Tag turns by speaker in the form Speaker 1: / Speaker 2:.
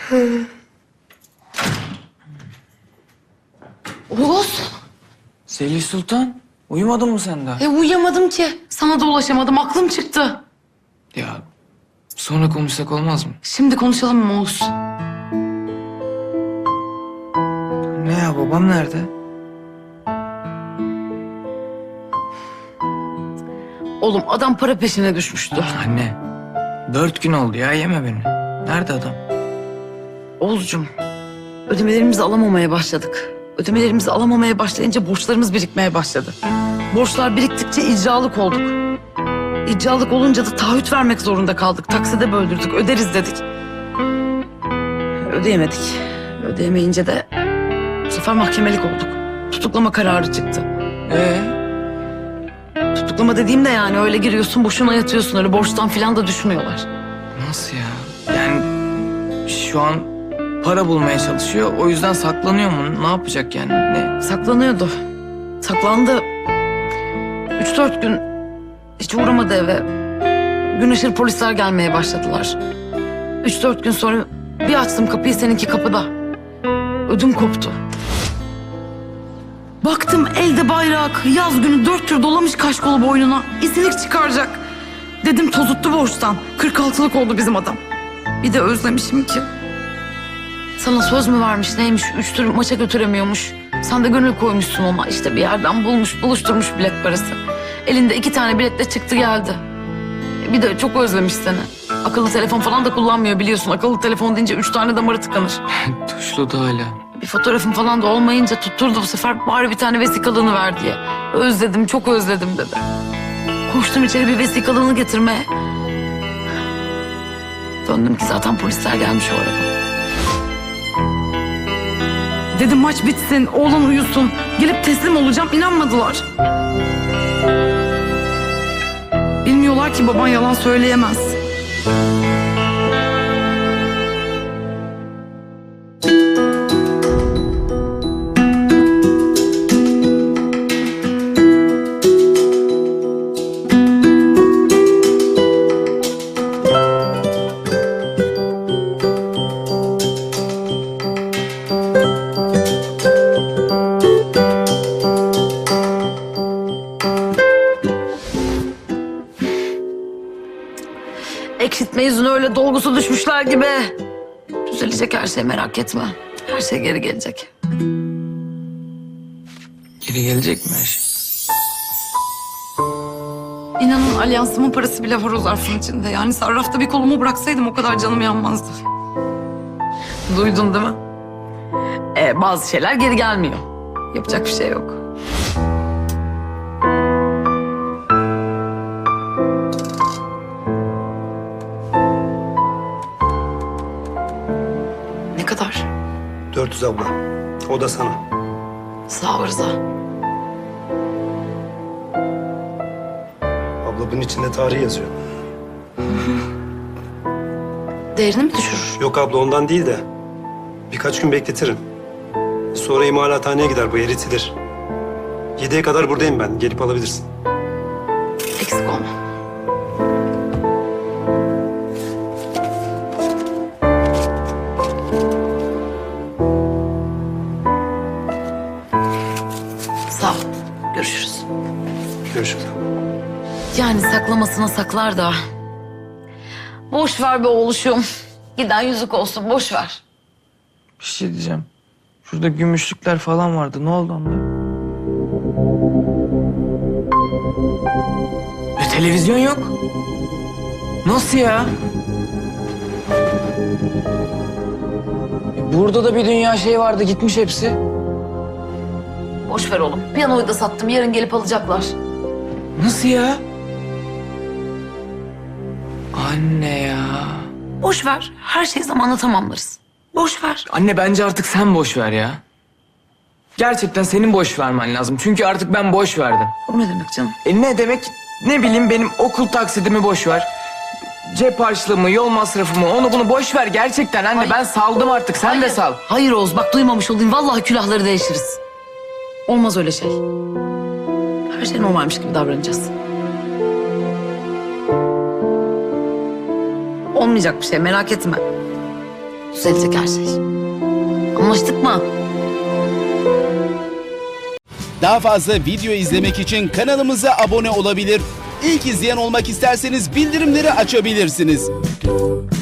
Speaker 1: Oğuz.
Speaker 2: Selih Sultan, uyumadın mı sen daha?
Speaker 1: Uyuyamadım ki. Sana da ulaşamadım. Aklım çıktı.
Speaker 2: Ya sonra konuşsak olmaz mı?
Speaker 1: Şimdi konuşalım mı Oğuz?
Speaker 2: Ne ya, babam nerede?
Speaker 1: Oğlum adam para peşine düşmüştü.
Speaker 2: Anne, 4 gün oldu ya, yeme beni. Nerede adam?
Speaker 1: Oğuzcum, ödemelerimizi alamamaya başladık. Ödemelerimizi alamamaya başlayınca borçlarımız birikmeye başladı. Borçlar biriktikçe icralık olduk. İcralık olunca da taahhüt vermek zorunda kaldık. Takside böldürdük, öderiz dedik. Ödeyemedik. Ödeyemeyince de bu sefer mahkemelik olduk. Tutuklama kararı çıktı. Tutuklama dediğim de yani öyle giriyorsun boşuna yatıyorsun. Öyle borçtan falan da düşmüyorlar.
Speaker 2: Nasıl ya? Yani şu an para bulmaya çalışıyor, o yüzden saklanıyor mu? Ne yapacak yani? Ne?
Speaker 1: Saklanıyordu. Saklandı. 3-4 gün hiç uğramadı eve. Gün ışır polisler gelmeye başladılar. 3-4 gün sonra bir açtım kapıyı, seninki kapıda. Ödüm koptu. Baktım elde bayrak, yaz günü 4 tür dolamış kaşkolu boynuna. İzilik çıkaracak. Dedim tozuttu borçtan. 46'lık oldu bizim adam. Bir de özlemişim ki. Sana söz mü vermiş neymiş, 3 tür maça götüremiyormuş. Sen de gönül koymuşsun ona. İşte bir yerden buluşturmuş bilet parası. Elinde 2 tane biletle çıktı geldi. Bir de çok özlemiş seni. Akıllı telefon falan da kullanmıyor biliyorsun. Akıllı telefon deyince 3 tane damarı tıkanır.
Speaker 2: Tuşlu da hala.
Speaker 1: Bir fotoğrafım falan da olmayınca tutturdu bu sefer. Bari bir tane vesikalığını ver diye. Özledim, çok özledim dedi. Koştum içeri bir vesikalığını getirmeye. Döndüm ki zaten polisler gelmiş o arada. Dedim maç bitsin, oğlan uyusun. Gelip teslim olacağım, inanmadılar. Bilmiyorlar ki baban yalan söyleyemez. Eksiltme yüzüne öyle dolgusu düşmüşler gibi. Düzelecek her şey, merak etme. Her şey geri gelecek.
Speaker 2: Geri gelecek mi her şey?
Speaker 1: İnanın alyansımın parası bile var o zarfın içinde. Yani sarrafta bir kolumu bıraksaydım o kadar canım yanmazdı. Duydun değil mi? Bazı şeyler geri gelmiyor. Yapacak bir şey yok. Ne kadar?
Speaker 3: 400 abla. O da sana.
Speaker 1: Sağ ol Rıza.
Speaker 3: Abla bunun içinde tarih yazıyor.
Speaker 1: Değerini mi düşürür?
Speaker 3: Yok abla ondan değil de birkaç gün bekletirim. Sonra imalathaneye gider, bu eritilir. 7'ye kadar buradayım ben. Gelip alabilirsin.
Speaker 1: Eksik olma. Sağ ol. Görüşürüz.
Speaker 3: Görüşürüz.
Speaker 1: Yani saklamasına saklar da. Boş ver be oğluşum. Giden yüzük olsun, boş ver.
Speaker 2: Bir şey diyeceğim. Şurada gümüşlükler falan vardı. Ne oldu onlar? Televizyon yok. Nasıl ya? Burada da bir dünya şey vardı. Gitmiş hepsi.
Speaker 1: Boş ver oğlum. Piyanoyu da sattım. Yarın gelip alacaklar.
Speaker 2: Nasıl ya? Anne ya.
Speaker 1: Boş ver. Her şeyi zamanla tamamlarız. Boş ver.
Speaker 2: Anne bence artık sen boş ver ya. Gerçekten senin boş vermen lazım. Çünkü artık ben boş verdim.
Speaker 1: O ne demek canım?
Speaker 2: Ne demek? Ne bileyim, benim okul taksidimi boş ver. Cep harçlığımı, yol masrafımı, onu bunu boş ver gerçekten anne.
Speaker 1: Hayır.
Speaker 2: Ben saldım artık. Sen de sal.
Speaker 1: Hayır Oğuz, bak duymamış olayım. Vallahi külahları değişiriz. Olmaz öyle şey. Her şey normalmiş gibi davranacağız. Olmayacak bir şey, merak etme. Düzelecek her şey. Anlaştık mı?
Speaker 4: Daha fazla video izlemek için kanalımıza abone olabilir. İlk izleyen olmak isterseniz bildirimleri açabilirsiniz.